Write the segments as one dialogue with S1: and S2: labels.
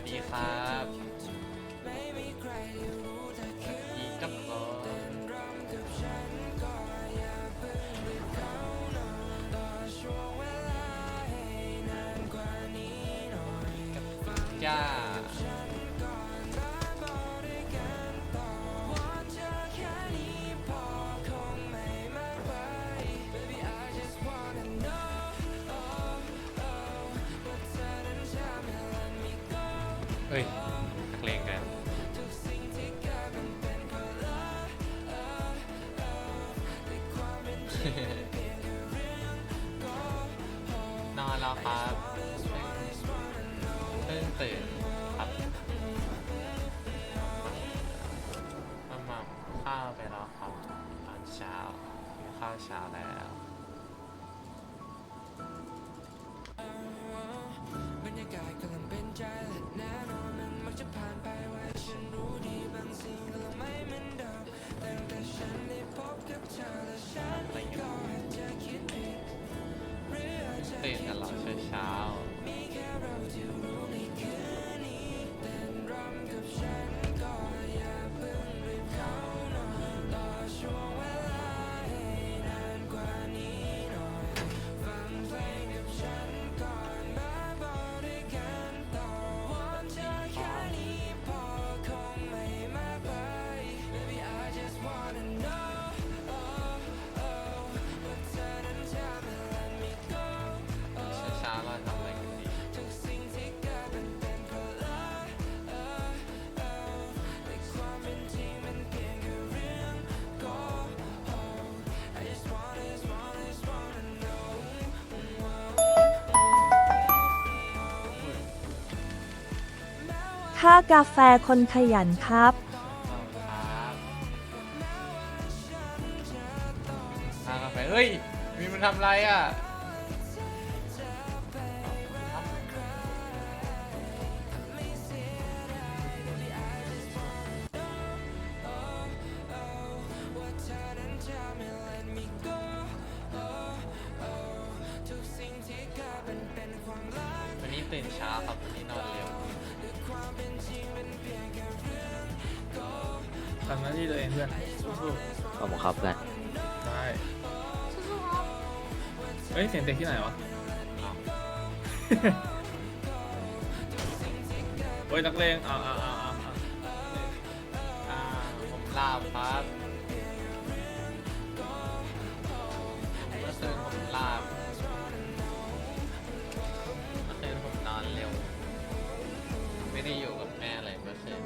S1: ดีครับอีกกับจ้าเฮ้ยนักเลงกันนอนแล้วครับเพิ่งตื่นครับมาข้าวไปแล้วครับตอนเช้ากินข้าวเช้าแล้วบรรยากาศกำลังเป็นใจและแน่นอนมันมักจะผ่านไปไวฉันรู้ดีบางสิ่งกำลังไม่เหมือนเดิมตั้งแต่ฉันได้พบกับเธอและฉันก็อาจจะคิดผิดตื่นกันหรอเช้ามีแค่เราที่รู้ในคืนนี้เต้นรำกับฉันก็อย่าเพิ่งรีบเข้านอนรอช่วงเวลาให้นานกว่านี้หน่อยฟังเพลงกับฉันก่อนมาบอกด้วยกันต่อวันเธอแค่นี้พอคงไม่มากไป Baby I just wanna knowว่าเธอนั้นจะไม่ let me go เช้าเราทำอะไรกันดีทุกสิ่งที่เกิดมันเป็นเพราะรักแต่ความเป็นจริงมันเพียงแค่เรื่องโกหก I just wanna know
S2: ค่ากาแฟคนขยันครับ
S1: ครับทานกาแฟเฮ้ย มีมันทำอะไรอ่ะวันนี้ตื่นเช้าครับวันนี้นอนเร็ว
S3: ทำหน้าที่ตัวเองเพื่อนสู้
S4: ขอบคุณครับเพื่อน
S3: ๆได้เฮ้ยเสียงเด็กที่ไหนวะ โอ้ยนักเลง
S1: ผมลาบครับเมื่อคืนผมลาบเมื่อคืนผมนอนเร็ว ไม่ได้อยู่กับแม่เลยเมื่อคืน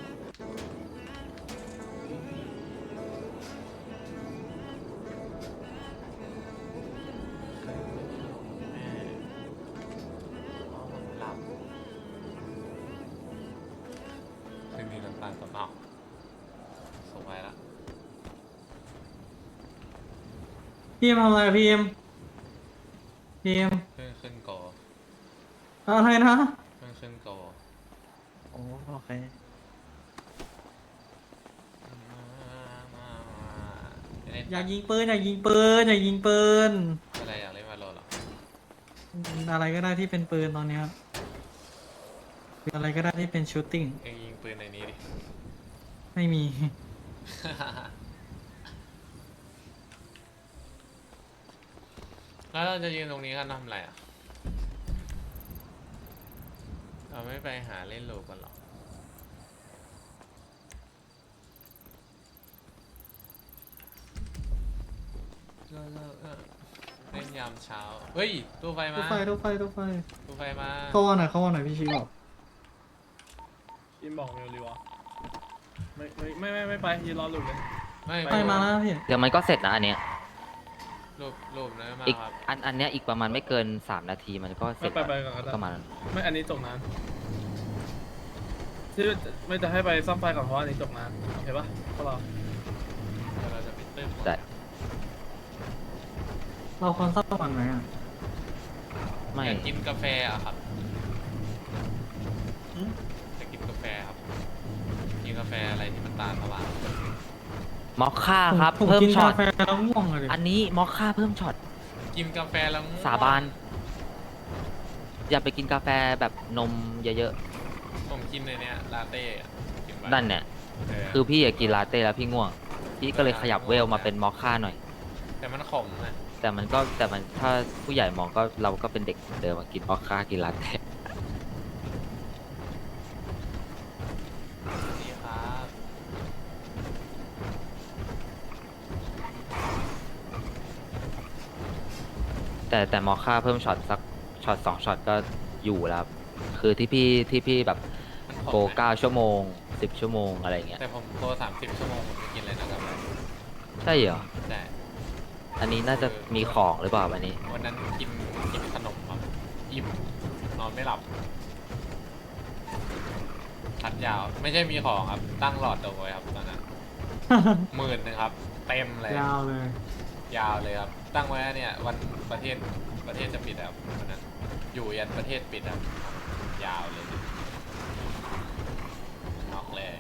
S1: หลับคืนนี้น้ำตาลตกเอาส่งไปละ
S5: พี่เอ็มทำอะไรพี่เอ็มพี่เอ็ม
S1: ขึ้นโก
S5: อะไรนะ
S1: ขึ้นโก
S5: โอเคอยากยิงปืนอยากยิงปืนอยากยิงปืน
S1: อะไรอยากเล่นวาโลเหรอ
S5: อะไรก็ได้ที่เป็นปืนตอนเนี้ยคืออะไรก็ได้ที่เป็นชูตติ้ง
S1: เองยิงปืนในนี้ดิ
S5: ไม่มี
S1: แล้วเราจะยืนตรงนี้กันทำอะไรอ่ะ เราไม่ไปหาเล่นโลกันหรอเล่นยามเช้า เฮ้ยตู้ไฟ
S5: ตู้
S1: มา
S5: ไฟตู้ไฟตู้ไฟ
S1: ตู้ไฟมา
S5: เข้าวันไหนเข้าวันไหนพี่ชิบอก
S3: อินบอกเร็วรีวะไม่ไปยืนรอหลุดเลย
S1: ไม่
S5: ไปมาแล้วพี่
S4: เดี๋ยวมันก็เสร็จนะอันเนี้ย
S1: รูปนะมา
S4: อีก
S1: ครับ
S4: อันเนี้ยอีกประมาณไม่เกิน3 นาทีมันก็เสร็จ
S3: ไปก่อนก็ได้
S4: ก็มาแล้ว
S3: ไม่อันนี้จบนานที่ไม่จะให้ไปซ่อมไฟก่อนเพราะอันนี้จบนานโอเคปะพวกเรา
S1: เดี๋ยวเราจะไปตึ้ม
S4: ได้
S5: เราควรซ่อมวันไหนอ่ะ
S4: ไม่
S1: อยากกินกาแฟอะครับจะกินกาแฟครับ กินกาแฟอะไรที่มันตาลสว่าง
S4: มอคค่าครับ
S5: ผม
S4: เพิ่ม
S5: กิน
S4: ช็อก
S5: า
S4: ต
S5: แฟแล้วง่วงเลย
S4: อันนี้มอคค่าเพิ่มช็อต
S1: กินกาแฟแล้วง่วง
S4: สาบาน อย่าไปกินกาแฟแบบนมเยอะ
S6: ผมกินในเนี้ยลาเต้อะกินไป
S4: นั่นเนี่ย
S6: เออ
S4: คือพี่อยากกินลาเต้แล้วพี่ง่วง พี่ก็เลยขยับเวลมาเป็นมอคค่าหน่อย
S6: แต่มันขมนะ
S4: แต่มันถ้าผู้ใหญ่มองก็เราก็เป็นเด็กเหมือนเดิมมากินมอคค่ากินลาเต้
S6: ดีครับ
S4: แต่มอคค่าเพิ่มช็อตสักช็อต2ช็อตก็อยู่แล้วครับคือที่พี่แบบ
S6: มันข
S4: โก
S6: มนะ
S4: 9 ชั่วโมง 10 ชั่วโมงอะไรเงี้ย
S6: แต่ผมโต30 ชั่วโมงผมไม่กินเลยนะครับ
S4: ใช่เหรอ
S6: แต่
S4: อันนี้น่าจะมีของหรือเปล่าวันนี้
S6: วันนั้นกินขนมครับอิ่มนอนไม่หลับพัดยาวไม่ใช่มีของครับตั้งหลอดเอาไว้ครับตอนนั้น 10,000ครับ เต็มเลย
S5: ยาวเลย
S6: ยาวเลยครับ ตั้งไว้เนี่ยวันประเทศจะปิดครับวันนั้นอยู่ยันประเทศปิดครับยาวเลยนอกเลย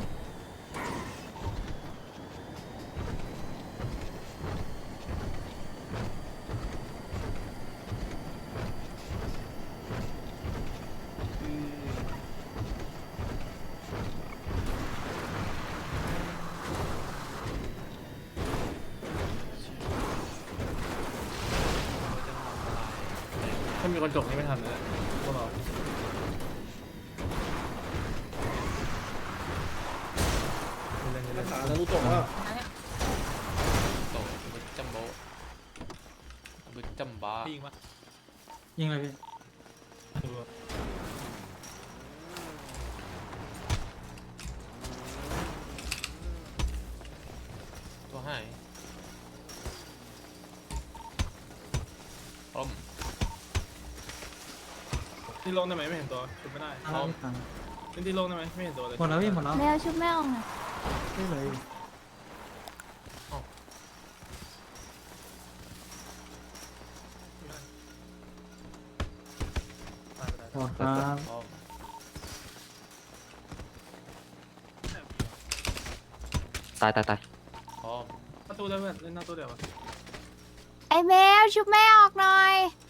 S3: ถ้ามีคนจบนี่ไม่ทันเลยพวกเรา
S7: ขาแล้วรู้จบว่า
S6: โตบึกจัมโบบึกจัมบ้า
S3: ยิงปะ
S5: ยิงเลยพี่
S6: ตัวหายล้ม
S3: ที่ลงได้ไหมไม่เห็นตัวชุบไม่ได้
S5: เอาแล้วพี่ตัง
S3: เล่นที่ลงได้ไหมไม่เห็นตัวเลย
S5: หมดแล้วพี่หมดแล้ว
S8: แมวชุบแม่ออกหน่อย
S5: ได้เลยหมดครับ
S6: ล้ม
S4: ตาย
S6: ล้ม
S3: ประตูได้เพื่อนเล่นหน้าตัวเดียวปะ
S8: ไอแมวชุบแม่ออกหน่อย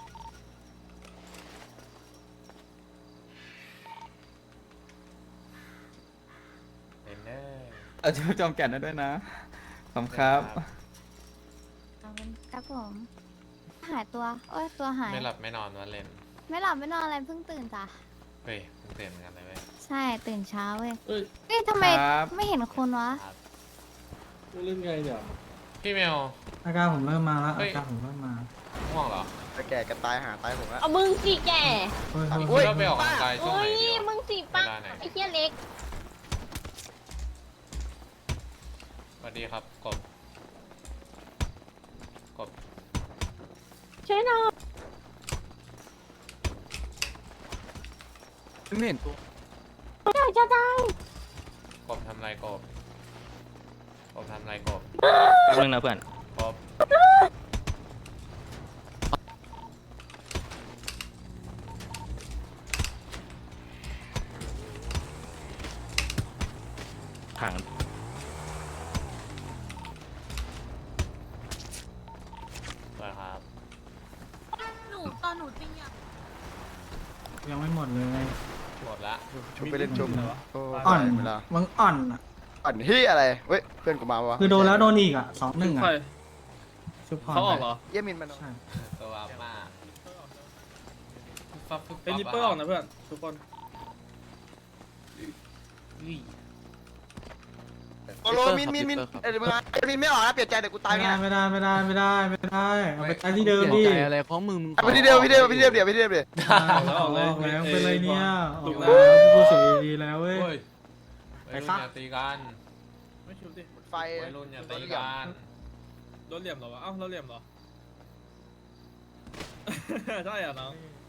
S6: เล่นเน่
S9: เอาชื่อจอมแก่นได้ด้วยนะขอบครับ
S8: เอาเป็นครับผม หายตัวโอ้ยตัวหาย
S6: ไม่หลับไม่นอนวันเล่น
S8: ไม่หลับไม่นอนอะไรเพิ่งตื่นจ้ะ
S6: เฮ้ยเพิ่งเตือนเหมือนกันเลยเว้ย
S8: ใช่ตื่นเช้าเว้ย
S7: เอ้ย
S8: เอ้ยทำไม
S9: ครับ
S8: ไม่เห็นคนวะ
S6: ครับ
S7: เล่นไงเนี่ย
S6: พี่เมล
S5: อาการผมเริ่มมาแล้ว
S6: เฮ้
S5: อาย การผมเริ่มมา
S6: ง่วงเหรอ
S9: ไปแก่กันตายหาตายผมละ
S10: เอามึงสิแก
S5: เฮ้ย
S6: พี่
S5: เฮ้ย
S6: คิดว่าไปออกกำลังกายช่วง
S10: โอ้
S6: ไหน
S10: ย
S6: ดีวะ
S10: มึงสิ
S6: เว
S10: ป้า
S6: ลาไหน
S10: ไอ้เหี้ยเล็ก
S6: สวัสดีครับกบกบ
S10: ช่วยหน่อย
S9: ไม่เห็นตัว
S10: อยากจะตาย
S6: กบทำไรกบกบทำไรกบ
S4: แป๊บนึงนะเพื่อน
S6: กบ
S4: ถัง
S6: สวัสดีครับ
S10: หนูตอนหนูจริงอ่ะ
S5: ยังไม่หมดเลย
S6: หมดละ
S9: ชุบไปเล่นชุบโอ้
S5: อ่อน
S9: เวลา
S5: มึงอ่อนอ่ะ
S9: อ่อนที่อะไรเว้ยเพื่อนกูมาวะ
S5: คือโดนแล้วโดนอีกอ่ะ2-1
S3: ใคร
S5: อ่ะชุบพร
S3: เขาออกเหรอ
S9: เยี่ยมินมัน
S5: ใช่
S6: ตัวอัพมากฟับฟุบ
S3: เป็นริปเปอร์ออกนะเพื่อนทุกคน
S9: โอโลมินเอ้ยมึงอ่ะมินไม่ออกนะเปลี่ยนใจเดี๋ยวกูตาย
S5: ไม่
S9: เนี่ย
S5: ได้เอาไปตายที่เดิมดิ
S9: อะไรของมึงไปที่เดิมเดี๋ยว
S3: ออกแล้วออกเลย
S5: ออกแล้วเป็นไรเนี่ยอ
S3: ถู
S5: อก
S3: ก
S5: แล้
S3: แล้ว ว
S5: ผู้เสียดีแล้วเว้ย
S6: เฮ้ยวัยรุ่นอย่าตีกัน
S3: ไม่ชุบดิ
S9: ไฟ
S6: วัยรุ่นอย่าตีกัน
S3: รถเหลี่ยมเหรอวะเอ้ารถเหลี่ยมเหรอ ใช่อ่ะน้อง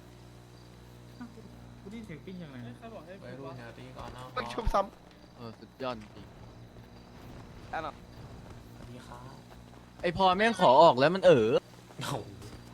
S5: กูได้เสียงปิ้งยังไง
S3: ใครบอกให้
S6: วัยรุ่นอย่าตีกันนะ
S9: มันชุบซ้
S4: สุดยอดจริง
S9: ำอ่ะเนาะ
S6: สวัสดีครับ
S4: ไอพอแม่งขอออกแล้วมัน
S6: โอ้โห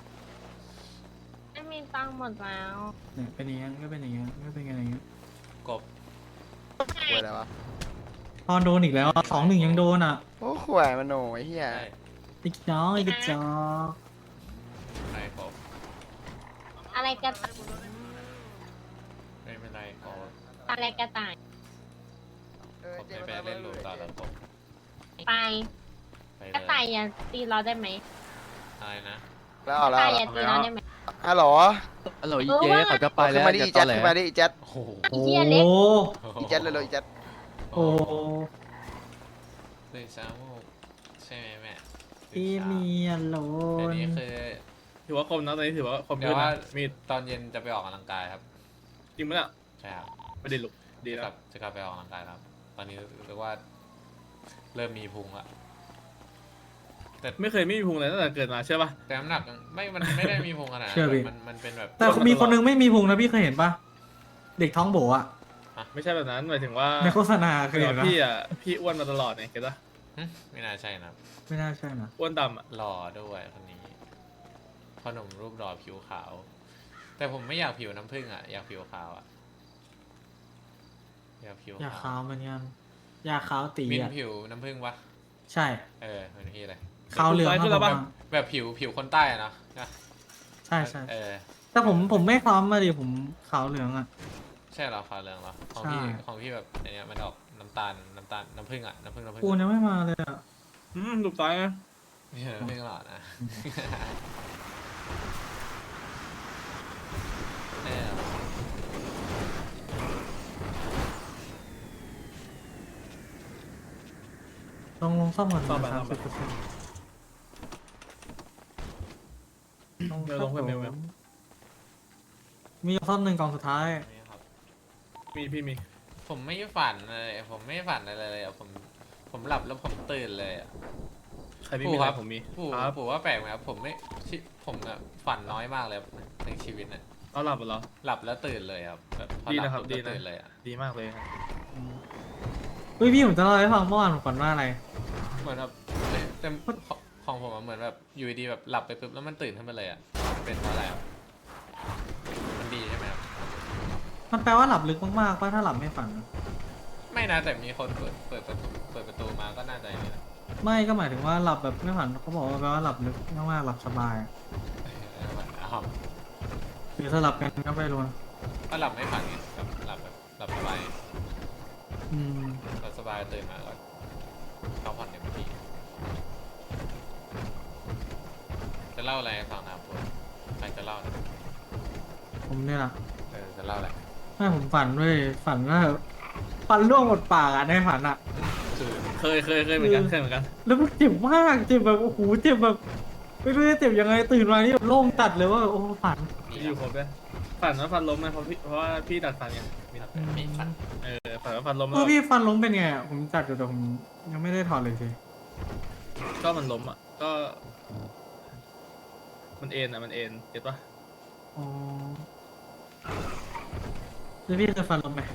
S10: ไม่มีตังค์หมดแล้ว
S5: เนี่ยเป็นอย่างงี้ก็เป็นอย่างงี้ก็เป็นอย่างงี้
S6: กบ
S9: ป่วยอะไรวะ
S5: พอโดนอีกแล้ว2-1ยังโดนอ่ะ
S9: โอ้ข่วยมันโหยเฮีย
S6: ใช่
S5: อีกจ้ออีกจ้อ
S6: ไรกบ
S10: อะไรกัน
S6: ไม่เป็นไรกบ
S10: ตาแรกกระต่าย
S6: ผมไม่ไปเล่นลูปต่อแล้วผม
S10: ไป
S6: ไป
S10: กระต่ายอย่าตีเราได้ไหม
S6: อะไรนะ
S9: แล้ว
S10: ก
S9: เอา
S10: ระ
S9: แล้ว
S10: ต่ายอย่าตีเราได้ไหม
S9: ฮัลโหล
S11: ฮัลโหลอีเจ๊เขาจะไป
S9: ขึ้
S11: แล้
S9: น
S11: ว
S9: มาดิ
S11: จะ
S9: อี
S11: ต
S9: แจ็
S11: อ
S9: ค
S11: แหล
S9: ขึ้นมาดิอีแจ็ค
S6: โอ้โห
S10: ไอ้เหี้ยเล็ก
S9: อีแจ็คเลยอีแจ็ค
S5: โอ้
S6: เลยซ้ำใช่ไหมแม่
S5: พี่เมียโล
S6: เดี๋ยวน นี้คือ
S3: ถือว่าคมนะตอนนี้ถือว่าคม
S6: เดี๋
S3: เย
S6: ยว
S3: อะ
S6: ว่า
S3: นะมีด
S6: ตอนเย็นจะไปออกกำลังกายครับ
S3: จริงไหมล่ะ
S6: ใช่ครับ
S3: ไม่ได้ลุกดี
S6: จะ
S3: แล้
S6: กลั
S3: ว
S6: บจะกลับไปออกกำลังกายครับ ตอนนี้เรียกว่าเริ่มมีพุงละ
S3: ไม่เคยไม่มีพุงเลยตั้งแต่เกิดมาใช่ป่ะ
S6: แต่น้ำหนักมันไม่ได้มีพุงขนาดนั้น
S5: เชื่อพี่
S6: มันเป็นแบบ
S5: แต่มีคนนึงไม่มีพุงนะพี่เคยเห็นปะเด็กท้องโบอะ
S3: ไม่ใช่แบบนั้นหมายถึงว่า
S5: ในโฆษณาเคย
S3: คือ
S5: เห็นปะ
S3: พี่อ่ะพี่อ้วนมาตลอดเนี่ยเก็ตปะ
S6: ไม่น่าใช่นะครับ
S5: ไม่น่าใช่นะ
S3: อ้วนดำอ่ะ
S6: หล่อด้วยคนนี้พ่อหนุ่มรูปหล่อผิวขาว แต่ผมไม่อยากผิวน้ำผึ้งอ่ะอยากผิวขาวอ่ะอยากผิว
S5: อยาก
S6: ขา
S5: ขาว วเหมือนกันอยากขาวตี
S6: มิน
S5: อะ
S6: ผิวน้ำผึ้งปะ
S5: ใช่
S6: เหมือนพี่เลย
S5: ขาวเหลือง
S3: ขึ้นแล้วปะ
S6: แบบผิวคนใต้อะเนาะนะ
S5: ใช่ใช่
S6: เ
S5: แต่ผมไม่คล้ำมาดิผมขาวเหลืองอะ
S6: ใช่เหรอขาวเหลืองเหรอของ
S5: ใช่
S6: พี่แบบอันเนี้ยมันออกน้ำตาลน้ำผึ้งอ่ะน้ำผึ้ง
S5: ปูนยังไม่มาเลยอะ
S3: หลุดซ้ายนะ
S6: ไม่ใช่น้ำผึ้งหรอกนะเออ
S5: ลงซ่อมก่อน
S3: ซ่อมไป
S5: นะ
S3: ซ่อมไป
S5: 30%ลง
S3: เดี๋ยวลงเพิ่มเดี๋ยว
S5: มีซ่อมหนึ่งกล่องสุดท้าย
S6: นี่ครับ
S3: มีพี่มี
S6: ผมไม่ฝันเลยผมไม่ฝันอะไรเลยอะผมหลับแล้วผมตื่นเลยอะ
S3: ใครไม่มีอะไรผมมี
S6: ปู่
S3: ครับ
S6: ปู่ว่าแปลกไหมครับผมอะฝันน้อยมากเลยครับในชีวิตเนี่ย
S3: เอาหลับเหรอ
S6: หลับแล้วตื่นเลยครับแบบพอ
S3: ดี
S6: หลั
S3: นะครับ
S6: ปุ๊
S3: ดี
S6: ก็
S3: นะ
S6: ตื่นเลยอะ
S3: ดีมากเลยครับ
S5: เฮ้ยพี่ผมจะเล่าให้ฟังเมื่อวานผมฝันว่าอะไร
S6: เหมือนแบบแต่ของผมอะเหมือนแบบอยู่ดีๆแบบหลับไปปุ๊บแล้วมันตื่นขึ้นมาเลยอะเป็นเพราะอะไรครับมันดีใช่ไหมครับ
S5: มันแปลว่าหลับลึกมากๆป่ะถ้าหลับไม่ฝันอะ
S6: ไม่นะแต่มีคนเปิดประตูมาก็น่าจะอย่างนี้นะ
S5: ไม่ก็หมายถึงว่าหลับแบบไม่ฝันเขาบอกว่าแปลว่าหลับลึกมากๆหลับสบายอะ
S6: อ้าว
S5: หรือสลับกันก็ไม่รู้นะ
S6: ก็หลับไม่ฝันไงแบบหลับสบาย
S5: อืม
S6: หลับสบายตื่นมาก็พักผ่อนเต็มที่จะเล่าอะไรให้ฟังนะครับคุณใครจะเล่านะ
S5: ผมเนี่ยแหละ
S6: จะเล่าอะไร
S5: ไม่ผมฝันด้วยฝันว่าฟันร่วงหมดปากอะในฝันอะ
S6: คือ
S3: เคยเหมือนกันเคยเหมือนกัน
S5: แล้วมันเจ็บมากเจ็บแบบโอ้โหเจ็บแบบไม่รู้จะเจ็บยังไงตื่นมานี่แบบโล่งตัดเลยว่าโอ้ฝัน
S3: อยู่ครบเลยฝันว่าฟันล้มนะเพราะว่าพี่ดัดฟันไง
S6: มีฝัน
S3: ฝันว่าฟันล้ม
S5: เอ
S3: แล้
S5: อ
S3: ว
S5: พี่ฟันล้มเป็นไงอะผมจัดอยู่แต่ผมยังไม่ได้ถอดเลยสิ
S3: ก็มันล้มอ่ะก็ มันเอ็นอ่ะมันเอ็นเก็ตปะ
S5: อ๋อแล้วพี่เคยฟันล้มไหม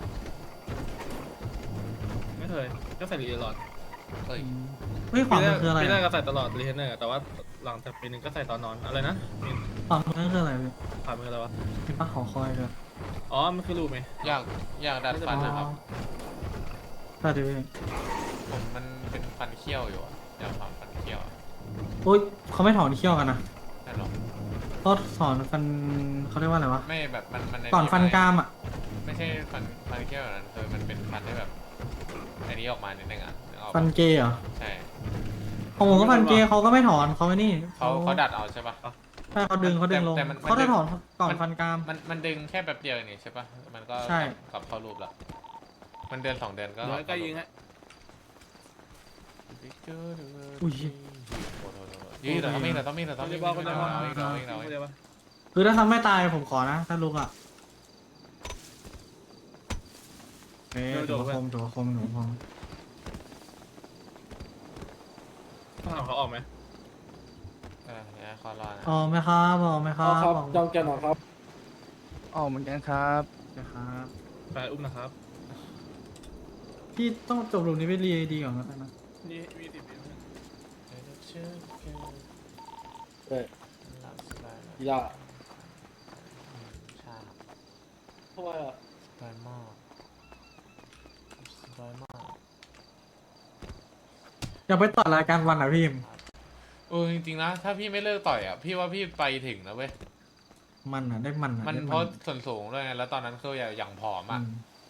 S3: ไม่เคยก็ใส่รีเทนหลอด
S6: เฮ้ย
S5: เฮ้ยขวามือคืออะไร
S3: พี่แรก
S5: อะ
S3: ก็ใส่ตลอดรีเทนเนอร์แต่ว่าหลังจากปีหนึงก็ใส่ตอนนอนอะไรนะมี
S5: ขวามือคืออะไรพี่
S3: ผ่านมืออะไรวะ
S5: มีป้าขอคอยด้วย
S3: อ๋อมันคือรูปไหม
S6: อยากดัดฟันนะครับ
S5: ตัดดิพี่
S6: ผมมันเป็นฟันเคี้ยวอยู่อะอยากทำฟันเคี้ยวอะ
S5: โอ๊ยเขาไม่ถอนเขี้ยวกันนะ
S6: นั่นหรอ
S5: เขาถอนฟันเขาเรียกว่าอะไรวะ
S6: ไม่แบบมัน
S5: ก่อนฟันกรามอะ
S6: ไม่ใช่ฟันเคี้ยวแบบนั้นคือมันเป็นฟันที่แบบอันนี้ออกมานิดนึงอ่ะนึกออกปะ
S5: ฟันเกย์เหรอ
S6: ใช่
S5: ของผมก็ฟันเกย์เขาก็ไม่ถอนเขาไอ้นี่
S6: เขาดัดเอาใช่ปะ
S5: ใช่เขาดึงลง
S6: แต่มัน
S5: เขาได้ถอนก่อนฟันกราม
S6: มันดึงแค่แบบเดียวนี่ใช่ปะมันก็
S5: ใช่
S6: กลับเข้ารูปแล้วมันเดือน2 เดือนก็
S3: ร้อยใกล้ยิงฮะ
S5: อุ้ย
S6: ยี่แต่ต้องมีแต่ต้องมี
S3: คนเดียวคนเดียว
S6: เอาอีกแล้ว
S3: คนเดียวปะ
S5: คือถ้าทำไม่ตายผมขอนะ ถ้าลุกอ่ะเอ๊ะถูกคมถูกคมถูกคม
S3: ต้องถามเขาออกไหม
S6: เนี่ยขอรอนะ
S5: อ๋อไหมครับอ๋อไหมครั
S7: เอา
S5: บ
S7: ครับ
S5: บอก
S7: จองแกนหน่อยครับ
S11: ออกเหมือนกันครับ
S5: นะครับ
S3: แฟนอุ้มนะครับ
S5: พี่ต้องจบรูปนี้ไปเรียดีก่อนนะ
S3: นี่มี10 วิ
S7: เอ้ยอย่า
S6: ใช่
S7: ทำไมอ่ะ
S6: สบายมากสบายมาก
S5: อยากไปต่อรายการวันอ่ะพี่
S6: จริงๆนะถ้าพี่ไม่เลิกต่อยอ่ะพี่ว่าพี่ไปถึงนะเว้ย
S5: มันอ่ะได้มันอ่ะ
S6: มัน
S5: ได้
S6: เพราะส่วนสูงด้วยไงแล้วตอนนั้นคืออย่างผอมอ่ะ
S5: อืม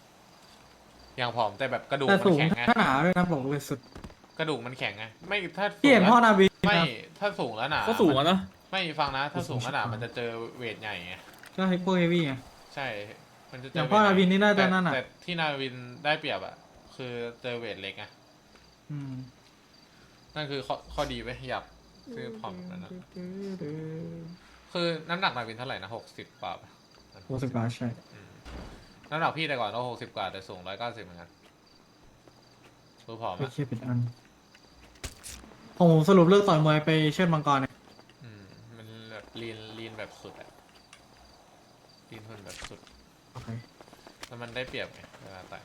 S6: อย่างผอมแต่แบบกระดูก
S5: แต่
S6: มั
S5: สู
S6: น
S5: ง
S6: แข็งไง
S5: ถ้าหนาด้วยนะบอกเลยสุด
S6: กระดูกมันแข็งไงไม่ถ้า
S5: พี่เห็น
S6: สูง
S5: พ่อ
S6: แล้ว
S5: นาวี
S6: ไม่
S5: นะ
S6: ถ้าสูงแล้วหนา
S3: ก็สูงอะเนาะ
S6: ไม่ฟังนะ ถ้าสูงแล้วหนามันจะเจอเวทใหญ่ไง
S5: ก็ให้พวกเฮฟวี่ไง
S6: ใช่ มันจะเจ
S5: อย่า
S6: อง
S5: พ่อ
S6: เวทใหญ่
S5: นาวินนี่น่าจะนั่นอะ
S6: แต่ที่นาวินได้เปรียบอะคือเจอเวทเล็กไง
S5: อืม
S6: นั่นคือข้อดีไว้ยอยากซื้อผอมแบบนั้นนะคือน้ำหนักนาวินเท่าไหร่นะ60 กว่าปะ
S5: 60 บาทใช่
S6: อืมน้ำหนักพี่แต่ก่อนก็60 กว่าแต่สูง190เหมือนกันตัวผอม
S5: ไป
S6: อะ
S5: เคียเป็นอันของผมสรุปเลือกต่อยมวยไปเชิดมังกรเนี่ย
S6: มันแบบลีนแบบสุดอะลีนคนแบบสุด
S5: โอเค
S6: แล้วมันได้เปรียบไงเวลาต่อย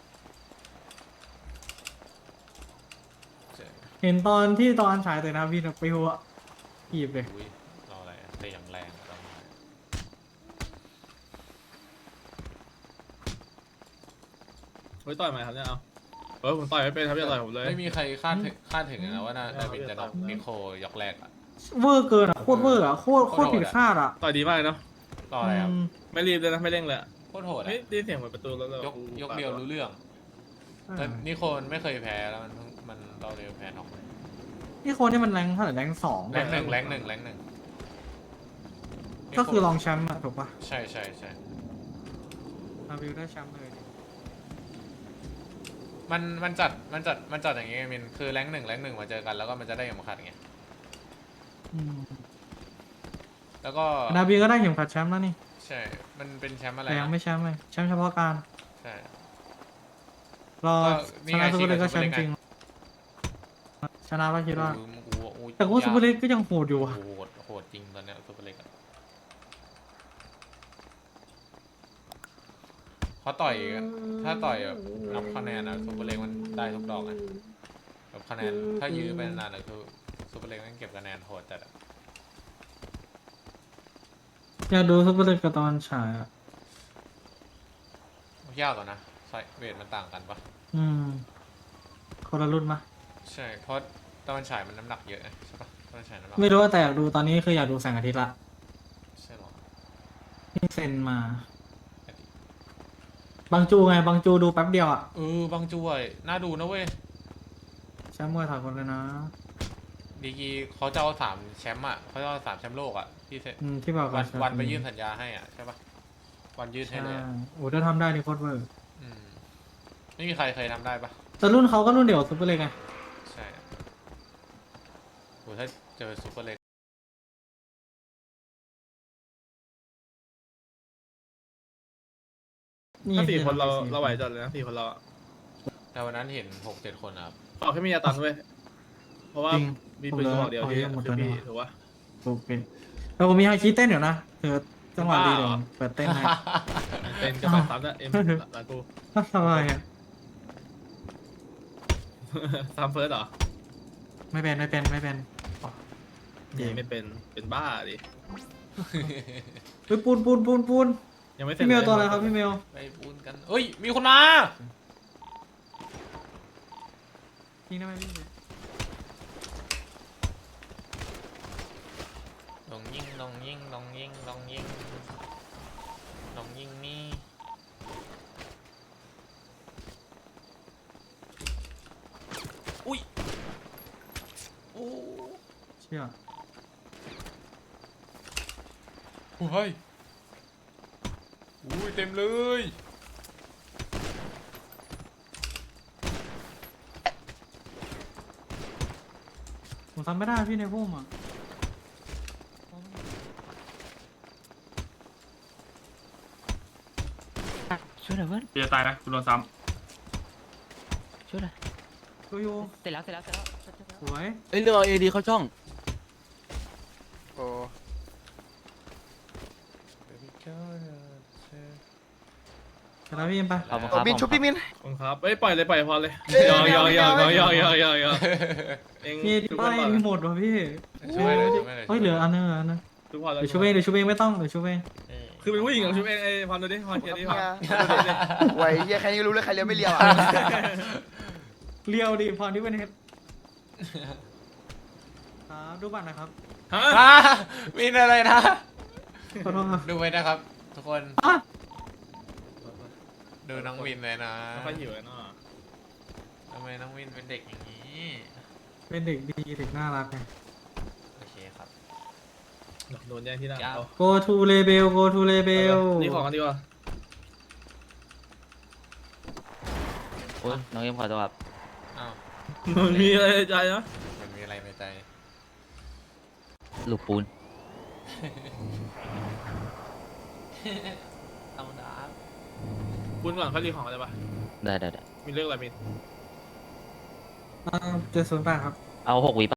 S6: เจ๋ง
S5: เห็นตอนที่ตอนฉายแต่นาวินอะไปหัวหยิบเลย
S6: อุ้ยรออะไรอะเตะอย่างแรงอะตอนนี้
S3: เฮ้ยต่อยไหมครับเนี่ยเอาผมต่อยไม่เป็นครับอย่าต่อยผมเลย
S6: ไม่มีใครคาดถึงนะว่านาวินจะน็อกนิโคยกแรกอะ
S5: เวอร์เกินอ่ะโคตรเวอร์อ่ะโคตร
S6: โคตรโหด
S5: ผิด
S6: อะ
S5: คาดอ่ะ
S3: ต่อยดีมากเลยเนาะ
S6: รออะไรครับ
S5: อืม
S3: ไม่รีบเลยนะไม่เร่งเลยอะ
S6: โคตรโหด
S3: เฮ้
S6: อะ
S3: ยได้ยินเสียงเหมือนประตูแล้ว
S6: ยกเดียวรู้เรื่องแต่นิโคมันไม่เคยแพ้แล้วมันเราเดียวแพ้น็อก
S5: นี่คนที่มันแรงเท่าไหร่แรงสอง
S6: แรงหนึ่ง
S5: ก็คือรองแชมป์อ่ะถูกปะ
S6: ใช่
S5: นาวินได้แชมป์เลย
S6: มันจัดอย่างงี้ไงมินคือแรงหนึ่งมาเจอกันแล้วก็มันจะได้เข็มขัดไง
S5: อืม
S6: แล้วก็
S5: นาวินก็ได้เข็มขัดแชมป์แล้วนี่
S6: ใช่มันเป็นแชมป์อะไร
S5: แต่ยัง
S6: นะ
S5: ไม่แชมป์เลยแชมป์เฉพาะการ
S6: ใช่
S5: รอ
S6: ก็นี่
S5: ช
S6: ไง
S5: นะซูเปอร์เลกก็
S6: ชิ
S5: แช
S6: ง
S5: ม
S6: กับ
S5: ป์จริงชนะป่ะคิดว่า
S6: โอ้ย
S5: แต่ว่าซูเปอร์เลกก็ยังโหดอยู่อ่ะ
S6: โหดจริงตอนเนี้ยซูเปอร์เล็กอะเขาต่อยถ้าต่อยแบบนับคะแนนนะซูเปอร์เล็กมันได้ทุกดอกอะแบบคะแนนถ้ายื้อไปนานๆอะคือซูเปอร์เล็กมันเก็บคะแนนโหดจัดอะ
S5: อยากดูซูเปอร์เลกกับตอนฉายอ่ะ
S6: ยากกว่านะไซเวทมันต่างกันปะ
S5: อืมคนละรุ่นมะ
S6: ใช่เพราะตะวันฉายมันน้ำหนักเยอะไงใช่ปะตะวันฉายน้ำหนัก
S5: ไม่รู้ว่าแต่อยากดูตอนนี้คืออยากดูแสงอาทิตย์ละ
S6: ใช่หรอ
S5: ที่เซ็นมาบางจูไงบางจูดูแป๊บเดียวอ่ะ
S6: บางจุ้ยน่าดูนะเว้ย
S5: แชมป์มวยถอดคนเลยนะ
S6: ดีกีเขาจะเอา3 แชมป์อ่ะเขาจะเอา3 แชมป์โลกอ่ะที่เซ็น
S5: ที่บอก
S6: วันไปยื่นสัญญาให้อ่ะใช่ปะวันยื่นให้
S5: ใช่
S6: เลยอะ
S5: โอ้ถ้าทำได้นี่โคตรเวอร์
S6: อืมไม่มีใครเคยทำได้ปะ
S5: แต่รุ่นเขาก็รุ่นเดียวกับซูเปอร์เลกไง
S6: ใช่โหถ้าเจอซูเปอร์เล็ก
S5: นี่
S3: ถ้าสี่คนเรา
S5: สี่
S3: ไหวจัดเลยนะ4 คนเราอะ
S6: แต่วันนั้นเห็น6-7 คนนะครับ
S3: ขอแค่มียาตันเว้ยเพราะว่า
S5: จริง
S3: มีปืนกระบอกเดียวที่
S5: หมด
S3: คือ
S5: แล้ว
S3: พี่
S5: นะ
S3: ถูกปะ
S5: ถูกเป็นแต่ผมมีไฮคีเต้นอยู่นะเธอจังหวะดีเดี๋ยวผมเปิดเต้นให้
S3: เป็นกระบะซ้ำนะเอ็มหลังกู
S5: ทำไมอ่ะ
S3: ซ้ำเฟิร์สเหรอ
S5: ไม่เป็นอ๋อ
S3: ไม่เป็นบ้าดิ
S5: เฮ้ยปูน
S3: ยังไม่เสร็จ
S5: พี่เมล
S3: ลย
S5: ตัวอะไรครับพี่เมล
S6: ไปปูนกันเอ้ยมีคนมา
S5: ทิ้งได้ไหมพี่
S6: ลองยิงนี่อุ้ยโอ้
S5: เชื่อ
S6: โหเฮ้ยอุ้ยเต็มเลย
S5: ผมทำไม่ได้พี่ในพุ่มอ่ะ
S4: ช่วยหน่อยเพื่อน
S3: จะตายนะคุณโดนซ้
S4: ช่วยหน่อย
S5: ดูอยู่
S4: เสร็จแล้ว
S5: สวย
S11: เอ้ยเรื่องเอาเอดีเข้าช่อง
S9: โอ้
S5: ชนะพี่เอ็มไป
S4: ขอบคุณค
S9: โอ้
S4: รับ
S9: มินชุบพี่มิน
S3: ำขอบคุณครับเอ้ยปล่อยเลยพอเลย
S9: เอ้ย
S3: ยอ
S9: ไม่เอาไม่เอา
S3: เอง
S5: พี่
S3: ทุก
S5: ไป
S3: คนก่อน
S5: มีหมดว่ะพี่
S6: ช่วยเลย
S5: เฮ้ยเหลืออันนึง
S3: ทุกคนแล้ว
S5: เดี๋ยวชูเองไม่ต้องเดี๋ยวชูเอง
S3: คือเป็นผู้หญิงของชุบเองไอ้พรดูดิพรเกียรติดิพร
S9: ไหวเฮียแค่นี้ก็รู้เลยใครเลี้ยวไม่เลี้ยวอ่ะ
S5: เลียวดิพรที่เป็นเฮดครับดูบัตรนะครับ
S3: ฮะ
S6: มีอะไรนะ
S5: ขอโทษครับ
S6: ดูไว้นะครับ ทุกคน
S5: อ่ะ
S6: ดูน้องวินเลยนะ
S3: ไม่ค่อยหิวเลยเนาะ
S6: ทำไมน้องวินเป็นเด็กอย่างนี้
S5: เป็นเด็กดีเด็กน่ารักไง
S6: โอเคครับ
S3: โดนแย่งที่หน้า
S6: ครับ
S3: เอา
S5: go to label go to label
S3: นี่ของกันดีกว่า
S4: โอ้ยน้องเอ็มขอโทษครับ
S6: อ้าว
S3: มันมีอะไรในใจนะ
S6: มันมีอะไรในใจ
S4: ลูกปูน
S6: ต้องดาบ
S3: บุญก่อนค่อยรีของอะไรปะ
S4: ได้ได้ได้
S3: มีเรื่องอะไรมี
S5: 70 บาทครับ
S4: เอา6 วิ